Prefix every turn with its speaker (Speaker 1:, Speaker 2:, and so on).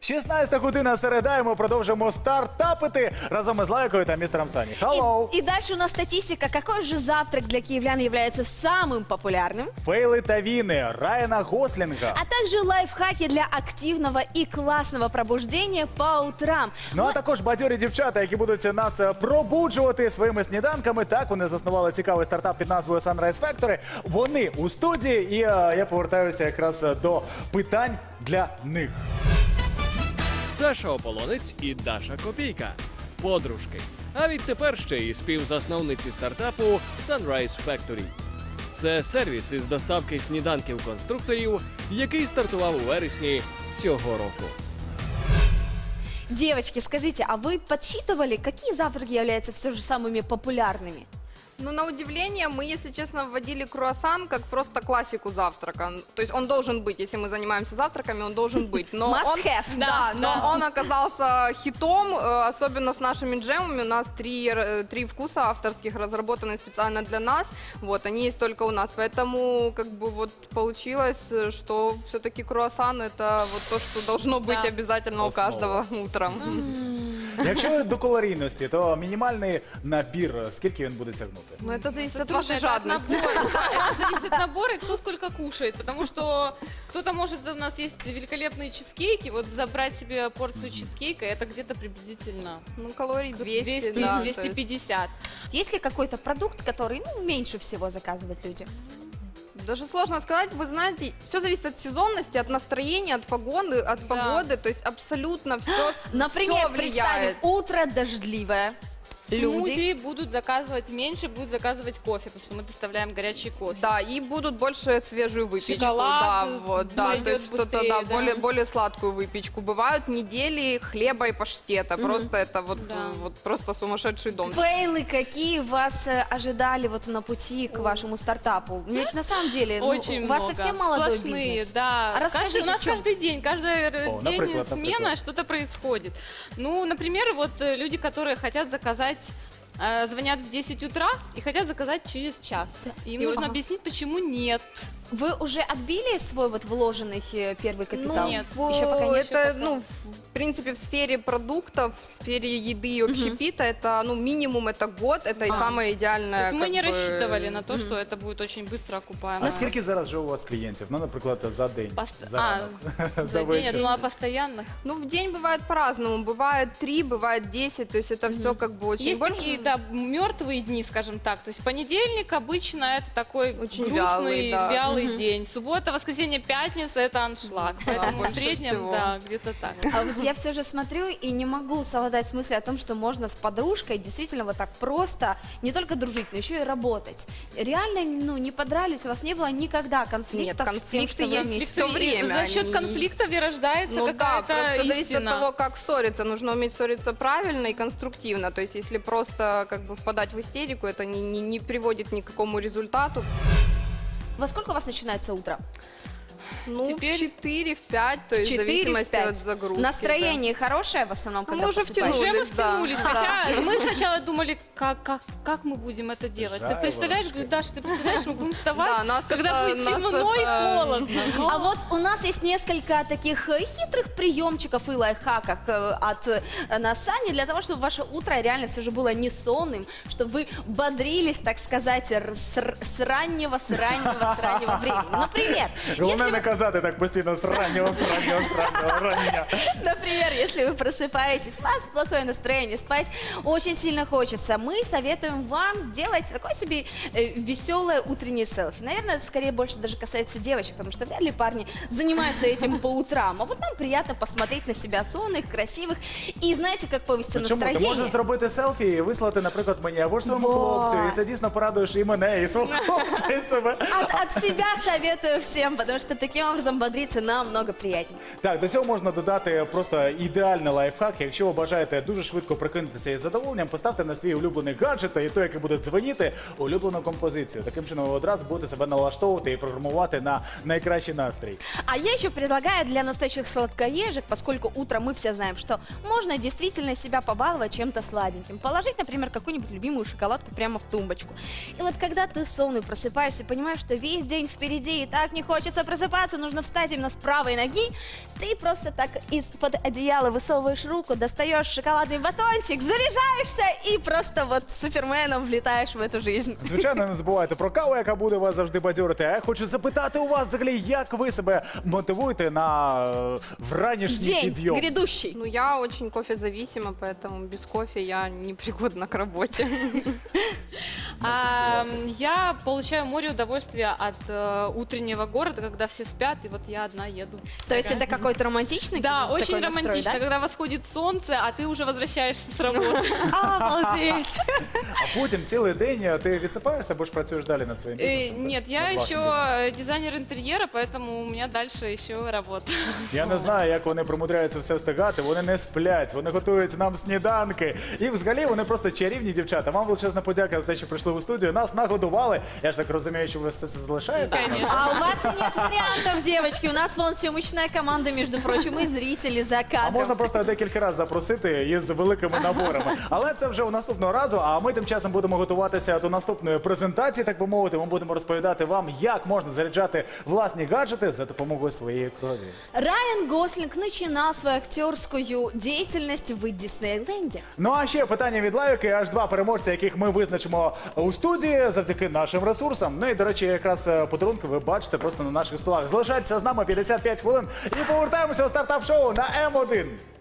Speaker 1: 16 година середа, і ми продовжимо стартапити разом із Лайкою та містером Сані. Hello!
Speaker 2: И дальше у нас статистика. Какой же завтрак для киевлян является самым популярным?
Speaker 1: Фейли та віни Райана Гослінга.
Speaker 2: А также лайфхаки для активного и классного пробуждения по утрам.
Speaker 1: Ну а також бадьорі дівчата, які будуть нас пробуджувати своїми сніданками. Так, вони заснували цікавий стартап під назвою Sunrise Factory. Вони у студії, і я повертаюся якраз до питань для них.
Speaker 3: Даша Ополонець і Даша Копійка. Подружки. А відтепер ще й співзасновниці стартапу Sunrise Factory. Це сервіс із доставки сніданків конструкторів, який стартував у вересні цього року.
Speaker 2: Девочки, скажите, а вы подсчитывали, какие завтраки являются все же самыми популярными?
Speaker 4: Ну, на удивление, мы, если честно, вводили круассан как просто классику завтрака. То есть он должен быть, если мы занимаемся завтраками, он должен быть. Но
Speaker 2: Must
Speaker 4: он,
Speaker 2: have.
Speaker 4: Да, но он оказался хитом, особенно с нашими джемами. У нас три вкуса авторских, разработанные специально для нас. Вот, они есть только у нас. Поэтому, как бы, вот получилось, что все-таки круассан это вот то, что должно быть обязательно у
Speaker 1: Основа.
Speaker 4: каждого утром.
Speaker 1: Якщо до калорійності, то мінімальний набір, скільки він буде тягнути?
Speaker 4: Но это зависит от
Speaker 5: Трудно,
Speaker 4: вашей
Speaker 5: это от
Speaker 4: жадности.
Speaker 5: набора, да, это зависит от набора и кто сколько кушает. Потому что кто-то может, у нас есть великолепные чизкейки, вот забрать себе порцию чизкейка, это где-то приблизительно
Speaker 4: Ну, калорий 200,
Speaker 5: 200,
Speaker 4: да, то есть-
Speaker 5: 250.
Speaker 2: Есть ли какой-то продукт, который меньше всего заказывают люди?
Speaker 4: Даже сложно сказать, вы знаете, все зависит от сезонности, от настроения, от погоды, то есть абсолютно все,
Speaker 2: Например, представим,
Speaker 4: влияет.
Speaker 2: утро дождливое. Люди.
Speaker 5: Смузи будут заказывать меньше, будут заказывать кофе, потому что мы доставляем горячий кофе.
Speaker 4: Да, и будут больше свежую выпечку,
Speaker 5: Шоколад,
Speaker 4: да, вот, да,
Speaker 5: пойдет
Speaker 4: то есть что-то,
Speaker 5: быстрее,
Speaker 4: да,
Speaker 5: да.
Speaker 4: более сладкую выпечку. Бывают недели хлеба и паштета, просто это вот,
Speaker 5: Да.
Speaker 4: вот просто сумасшедший дом.
Speaker 2: Фейлы какие вас ожидали вот на пути к вашему стартапу? Ведь на самом деле ну,
Speaker 5: Очень
Speaker 2: у вас
Speaker 5: много.
Speaker 2: совсем молодой
Speaker 5: Сплошные,
Speaker 2: бизнес.
Speaker 5: да.
Speaker 2: А расскажите,
Speaker 5: У нас
Speaker 2: в чем?
Speaker 5: каждый день, каждый день
Speaker 1: например,
Speaker 5: смена,
Speaker 1: например.
Speaker 5: что-то происходит. Ну, например, вот люди, которые хотят заказать, звонят в 10 утра и хотят заказать через час. Им
Speaker 2: И
Speaker 5: нужно
Speaker 2: ага.
Speaker 5: объяснить, почему нет.
Speaker 2: Вы уже отбили свой вот вложенный первый капитал?
Speaker 5: нет,
Speaker 2: еще пока нет.
Speaker 4: Это,
Speaker 5: пока.
Speaker 4: ну, в принципе, в сфере продуктов, в сфере еды и общепита, это, ну, минимум это год, это и самое
Speaker 5: То
Speaker 4: идеальное.
Speaker 5: есть мы
Speaker 4: как
Speaker 5: не
Speaker 4: бы,
Speaker 5: рассчитывали на то, что это будет очень быстро окупаемо.
Speaker 1: А скільки зараз вже у вас клієнтів? Ну, наприклад, за день,
Speaker 5: Пост-
Speaker 1: за ранок,
Speaker 5: За день,
Speaker 1: вечір.
Speaker 5: ну а постоянных?
Speaker 4: Ну, в день бывает по-разному. Бывает 3, бывает 10, то есть это все как бы очень
Speaker 5: Есть
Speaker 4: больше.
Speaker 5: такие, да, мертвые дни, скажем так. То есть понедельник обычно это такой
Speaker 4: Очень
Speaker 5: грустный,
Speaker 4: вялый, да.
Speaker 5: вялый день. Суббота, воскресенье, пятница это аншлаг. Поэтому в
Speaker 4: больше
Speaker 5: среднем,
Speaker 4: всего.
Speaker 5: да, где-то так.
Speaker 2: А вот я все же смотрю и не могу совладать с мыслью о том, что можно с подружкой действительно вот так просто не только дружить, но еще и работать. Реально, ну, не подрались, у вас не было никогда конфликтов
Speaker 4: Нет,
Speaker 2: с тем, что
Speaker 4: конфликты
Speaker 2: вы
Speaker 4: есть
Speaker 2: вместе?
Speaker 4: всё время.
Speaker 5: За счет
Speaker 4: они-
Speaker 5: конфликтов и рождается
Speaker 4: Ну да,
Speaker 5: какая-то
Speaker 4: просто зависит от
Speaker 5: истина.
Speaker 4: того, как ссориться. Нужно уметь ссориться правильно и конструктивно. То есть, если просто как бы впадать в истерику, это не приводит ни к какому результату.
Speaker 2: Во сколько у вас начинается утро?
Speaker 4: Ну,
Speaker 5: Теперь
Speaker 4: в 4, в 5, то есть в
Speaker 2: 4,
Speaker 4: зависимости
Speaker 2: 5.
Speaker 4: от загрузки.
Speaker 2: Настроение хорошее в основном, когда
Speaker 4: мы уже
Speaker 2: просыпаетесь?
Speaker 5: Уже мы
Speaker 4: втянулись, да.
Speaker 5: втянулись,
Speaker 4: Да.
Speaker 5: хотя мы сначала думали, как мы будем это делать. Ты
Speaker 1: Жарко
Speaker 5: представляешь,
Speaker 1: вообще.
Speaker 5: говорю, Даша, ты представляешь, мы будем вставать,
Speaker 4: Да, нас
Speaker 5: когда
Speaker 4: это-
Speaker 5: будет
Speaker 4: нас
Speaker 5: темно и
Speaker 4: это-
Speaker 5: холодно. Но-
Speaker 2: А вот у нас есть несколько таких хитрых приемчиков и лайфхаков от нас Сани для того, чтобы ваше утро реально все же было не сонным, чтобы вы бодрились, так сказать, с раннего времени. Например,
Speaker 1: Головне
Speaker 2: если
Speaker 1: не казати так постійно з раннього рання.
Speaker 2: Например, если вы просыпаетесь, у вас плохое настроение, спать очень сильно хочется, мы советуем вам сделать такой себе веселое утреннее селфи. Наверное, это скорее больше даже касается девочек, потому что вряд ли парни занимаются этим по утрам. А вот нам приятно посмотреть на себя сонных, красивых. И знаете, как повысится
Speaker 1: Ну, чому? Ти
Speaker 2: настроение?
Speaker 1: можеш зробити селфі і вислати, наприклад, мені або ж своєму
Speaker 2: Вот.
Speaker 1: хлопцю, і це дійсно порадуєш і мене, і свого хлопця, і себе.
Speaker 2: От себя советую всем, потому что таким образом бодриться намного приятнее.
Speaker 1: Так, до цього можна додати просто ідеальний лайфхак. Якщо ви бажаєте дуже швидко прокинутися із задоволенням, поставте на свій улюблений гаджет і той, який буде дзвонити, улюблену композицію. Таким чином ви одразу будете себе налаштовувати і програмувати на найкращий настрій.
Speaker 2: А я еще предлагаю для настоящих сладкоежек, поскольку утром мы все знаем, что можно действительно себя побаловать чем-то сладеньким. Положить, например, какую-нибудь любимую шоколадку прямо в тумбочку. И вот когда ты сонный просыпаешься, понимаешь, что весь день впереди и так не хочется просыпаться, просыпаться, нужно встать именно с правой ноги, ты просто так из-под одеяла высовываешь руку, достаешь шоколадный батончик, заряжаешься и просто вот суперменом влетаешь в эту жизнь.
Speaker 1: Звичайно, не забувайте про каву, яка буде вас завжди бадьорити. А я хочу запитати у вас взагалі, як ви себе мотивуєте на вранішній
Speaker 2: День
Speaker 1: підйом?
Speaker 2: грядущий.
Speaker 4: Ну, я очень кофезависима, поэтому без кофе я не пригодна к работе.
Speaker 5: Я получаю море удовольствия от утреннего города, когда все спят, и вот я одна еду.
Speaker 2: То есть это какой-то романтичный
Speaker 5: Да,
Speaker 2: такой
Speaker 5: очень
Speaker 2: настрой,
Speaker 5: романтично,
Speaker 2: да?
Speaker 5: когда восходит солнце, а ты уже возвращаешься с работы.
Speaker 2: Обалдеть.
Speaker 1: А потім цілий день ти відсипаєшся або ж працюєш далі над своїм бізнесом?
Speaker 5: Нет, я
Speaker 1: Над вашим бізнесом?
Speaker 5: еще дизайнер интерьера, поэтому у меня дальше еще работа.
Speaker 1: Я не знаю, як вони примудряються все встигати. Вони не сплять, вони готують нам сніданки. І взагалі вони просто чарівні дівчата. Вам величезна подяка за те, що прийшли у студію. Нас нагодували. Я ж так розумію, що ви все це залишаєте.
Speaker 5: Конечно.
Speaker 2: А у вас нет вариантов, девочки. У нас вон съемочная команда, между прочим, и зрители за
Speaker 1: А
Speaker 2: кадром.
Speaker 1: можна просто декілька разів запросити із великими наборами. Але це вже у наступного разу. А ми тим часом будемо готуватися до наступної презентації, так би мовити. Ми будемо розповідати вам, як можна заряджати власні гаджети за допомогою своєї крові.
Speaker 2: Райан Гослинг начинал свою актерскую деятельность в Диснейленде.
Speaker 1: Ну а ще питання від лайки, аж 2 переможця, яких ми визначимо у студії завдяки нашим ресурсам. Ну і, до речі, якраз подарунки ви бачите просто на наших столах. Залишайтеся з нами 55 хвилин і повертаємося у стартап-шоу на М1.